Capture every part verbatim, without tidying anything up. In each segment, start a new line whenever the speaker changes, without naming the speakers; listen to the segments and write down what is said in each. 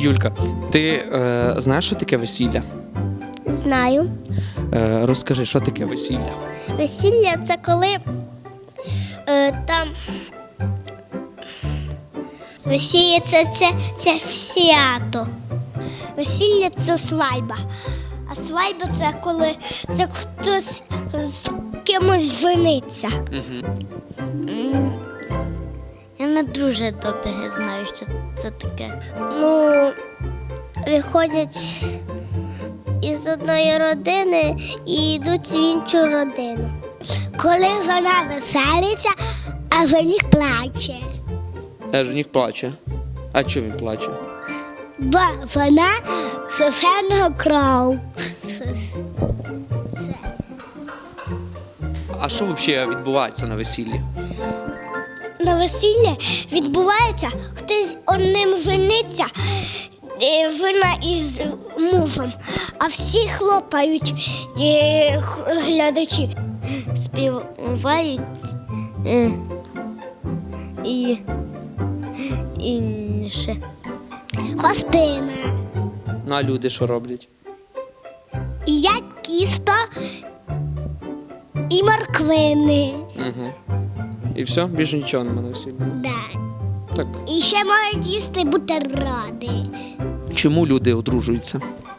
Юлька, ти е, знаєш, що таке весілля?
Знаю.
Е, розкажи, що таке весілля?
Весілля це коли е, там весілля це, це, це свято. Весілля це свадьба. А свадьба це коли це хтось з кимось жениться.
Угу.
М, Я не дуже добре знаю, що це таке. Ну, виходять із одної родини і йдуть в іншу родину. Коли вона веселиться, а жених плаче.
А жених плаче. А чого він плаче?
Бо вона сосерного кров.
А що взагалі відбувається на весіллі?
На весіллі відбувається, хтось одним жениться, е, жена із мужем, а всі хлопають е, х- глядачі. Співають е, і, і ще. Хостина.
Ну, а люди що роблять?
Їдять кісто і морквини.
Угу. І все? Більше нічого немає на весіллі?
Да.
Так.
І ще можуть їсти бутерброди.
Чому люди одружуються?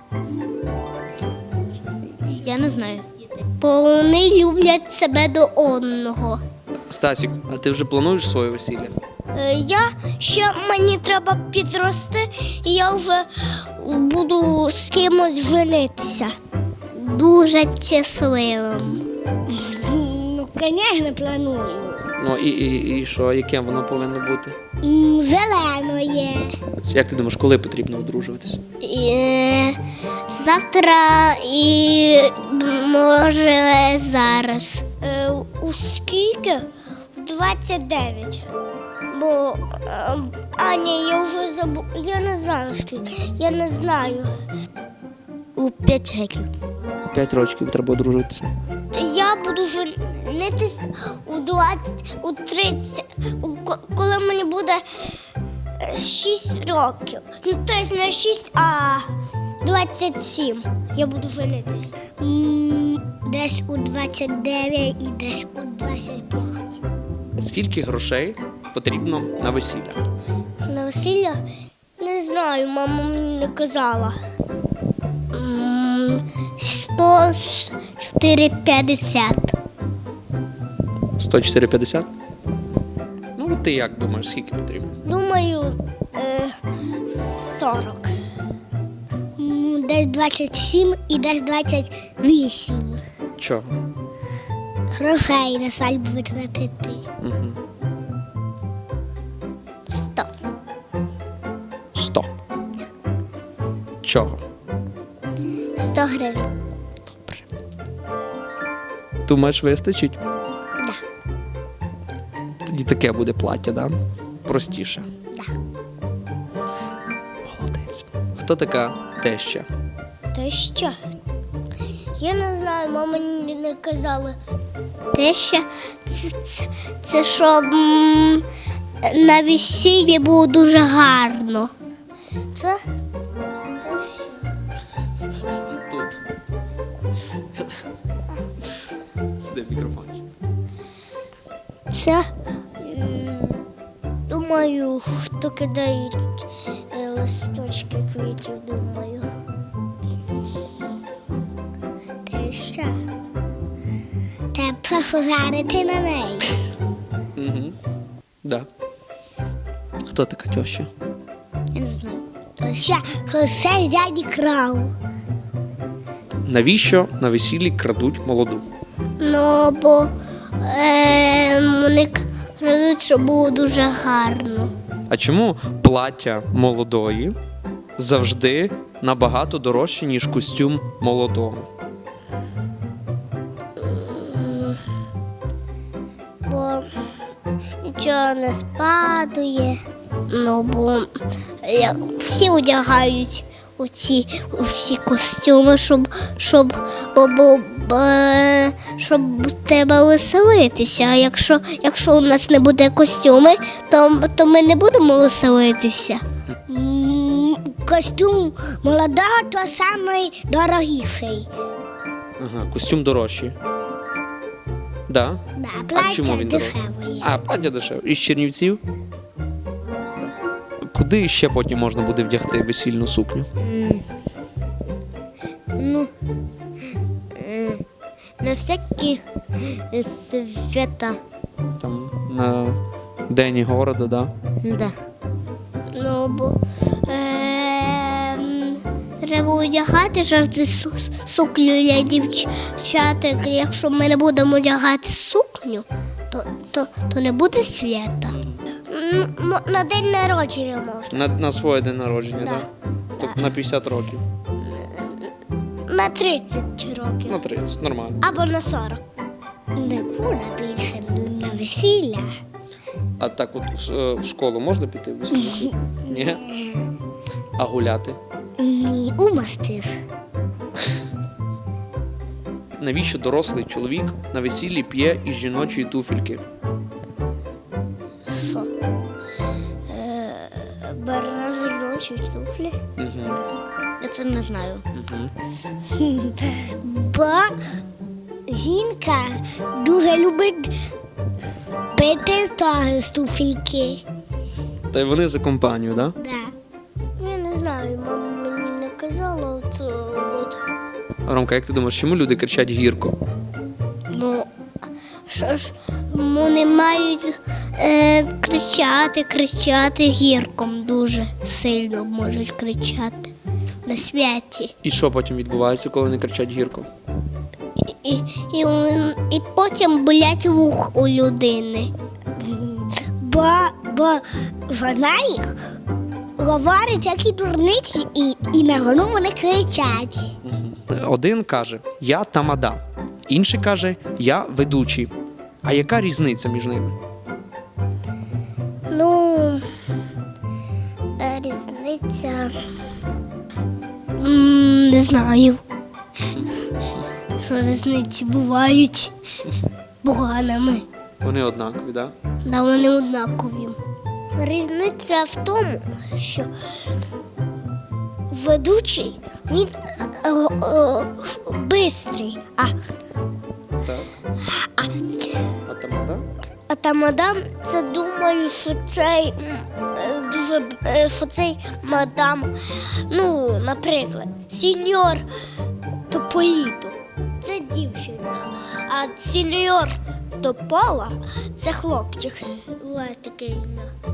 Я не знаю. Бо вони люблять себе до одного.
Стасік, а ти вже плануєш своє весілля?
Е, Я ще мені треба підрости, і я вже буду з кимось женитися. Дуже щасливим. Ну, звісно, планую.
Ну і, і, і що, яким воно повинно бути?
М, Зеленоє.
От як ти думаєш, коли потрібно одружуватися?
І, е, завтра і може зараз. Е, у скільки? В двадцять дев'ять. Бо е, а ні, я вже забув. Я не знаю скільки. Я не знаю. У п'ять років.
П'ять років треба одружуватися.
Я буду женитись у двадцять, у тридцять, у ко- коли мені буде шість років. Ну, тобто не шість, а двадцять сім. Я буду женитись. Десь у двадцять дев'ять і десь у двадцять п'ять.
Скільки грошей потрібно на весілля?
На весілля? Не знаю, мама мені не казала. М, сто чотири п'ятдесят.
сто чотири п'ятдесят? Ну, от ти як думаєш, скільки потрібно?
Думаю, е, сорок. М, Десь двадцять сім і десь двадцять вісім.
Чого?
Грошей на свадьбу витратити.
Угу.
Сто.
Сто. Чого?
Сто гривень.
Думаєш, вистачить?
Да.
Тоді таке буде плаття, да? Простіше.
Да.
Молодець. Хто така теща?
Те що? Я не знаю, мама мені не казала. Те що це, це, це щоб м, на весіллі було дуже гарно. Це
Сиди тут. Сиди в мікрофоні.
Це, м, думаю, хто кидає е, листочки квітів, думаю. Те що? Треба пофугарити на неї.
Угу. Да. Хто така теща?
Я не знаю. То що, все дяді крав.
Навіщо на весіллі крадуть молоду?
Ну, бо е, вони крадуть, щоб було дуже гарно.
А чому плаття молодої завжди набагато дорожче, ніж костюм молодого?
Бо нічого не спадує. Ну, бо як всі одягають у ці, у всі костюми, щоб, щоб, бо, бо, бо, щоб треба веселитися. А якщо, якщо у нас не буде костюми, то, то ми не будемо веселитися. М, костюм молодого, то самий дорогіший.
Ага, костюм дорожчий. Да?
Да,
А
плаття
чому він дорожчий?
дешеве є.
А, плаття дешеве. Із Чернівців? Куди ще потім можна буде вдягти весільну сукню?
М. Ну, е, на всякі е, свята.
Там на День города, да?
Да. Ну, бо е, м, треба одягати завжди су- сукню для дівчаток. Якщо ми не будемо одягати сукню, то, то, то не буде свята. На день народження можна.
На, на своє день народження,
Да.
да? Тобто на п'ятдесят років.
На тридцять років.
На тридцять, нормально.
Або на сорок. Не буде більше на весілля.
А так от в, е, в школу можна піти в весільну сукню? Ні? А гуляти?
Ні, умастив.
Навіщо дорослий чоловік на весіллі п'є із жіночої туфельки?
Що? Е, Бере жіночі туфлі.
Угу.
Я це не знаю.
Угу.
Бо жінка дуже любить пити з туфельки.
Та й вони за компанію, так? Да?
Да. Я не знаю, мама мені не казала це. От.
Ромка, як ти думаєш, чому люди кричать гірко?
Ну, що ж, вони мають е, кричати, кричати гірком дуже сильно можуть кричати на святі.
І що потім відбувається, коли вони кричать гірко?
І, і, і, і потім болять вух у людини. Бо, бо вона їх говорить, які дурниці, і, і на гону вони кричать.
Один каже «я тамада», інший каже «я ведучий». А яка різниця між ними?
Ну, е, різниця. М, Не знаю. Що різниці бувають поганими.
Вони однакові, так? Да?
Да, вони однакові. Різниця в тому, що ведучий він е, е, бистрий, а,
Так.
а,
А тамада?
а тамадам це думаю, що цей м, е, дуже б- е, що цей мадам, ну, наприклад, сеньор Тополіто це дівчина, а сеньор Топола це хлопчик. Ось таке ім'я.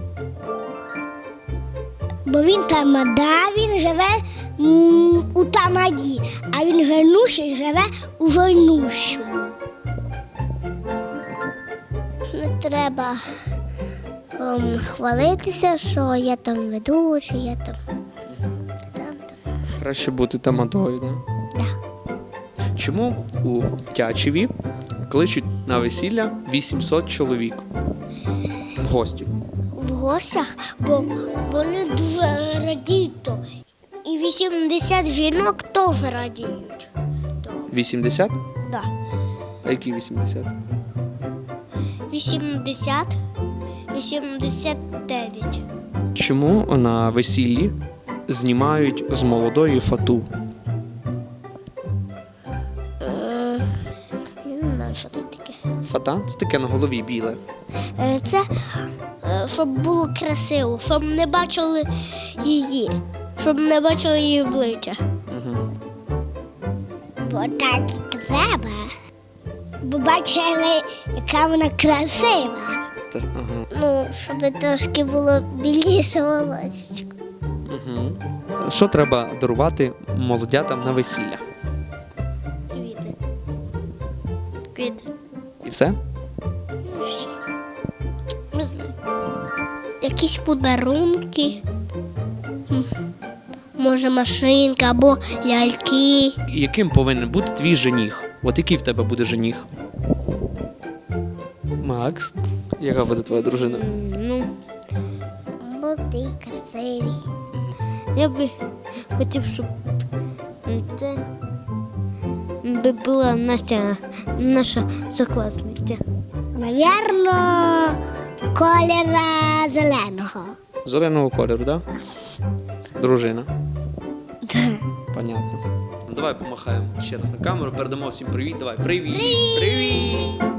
Бо він тамада, він живе м, у тамаді, а він генуший живе у жойнущому. Не треба ем, хвалитися, що я там ведучий, я там. там, там.
Краще бути тамадою, так? Да?
Да.
Чому у Тячеві кличуть на весілля вісімсот чоловік в гості?
В гостях, бо вони дуже радіють. то. І вісімдесят жінок теж радіють. То,
вісімдесят?
да.
А які вісімдесят?
вісімдесят, вісімдесят дев'ять.
Чому на весіллі знімають з молодої фату?
Я не знаю, що це таке.
Фата це таке на голові біле.
Е, Це е, щоб було красиво, щоб не бачили її, щоб не бачили її обличчя.
Угу.
Бо так і треба. Бо бачили, яка вона красива.
Ага.
Ну, щоб трошки було біліше волосечко.
Угу. Що треба дарувати молодятам на весілля?
Квіти. Квіти.
І все?
Не знаю. Якісь подарунки. М, Може, машинка або ляльки.
Яким повинен бути твій жених? От який в тебе буде жених? Макс, яка буде твоя дружина?
Ну, молодий, красивий. Я би хотів, щоб це би була Настя, наша сокласниця. Навірно, кольора зеленого.
Зеленого кольору, так? Да? Дружина. Понятно. Ну, давай помахаємо ще раз на камеру, передамо всім привіт. Давай. Привіт! Привіт! Привіт!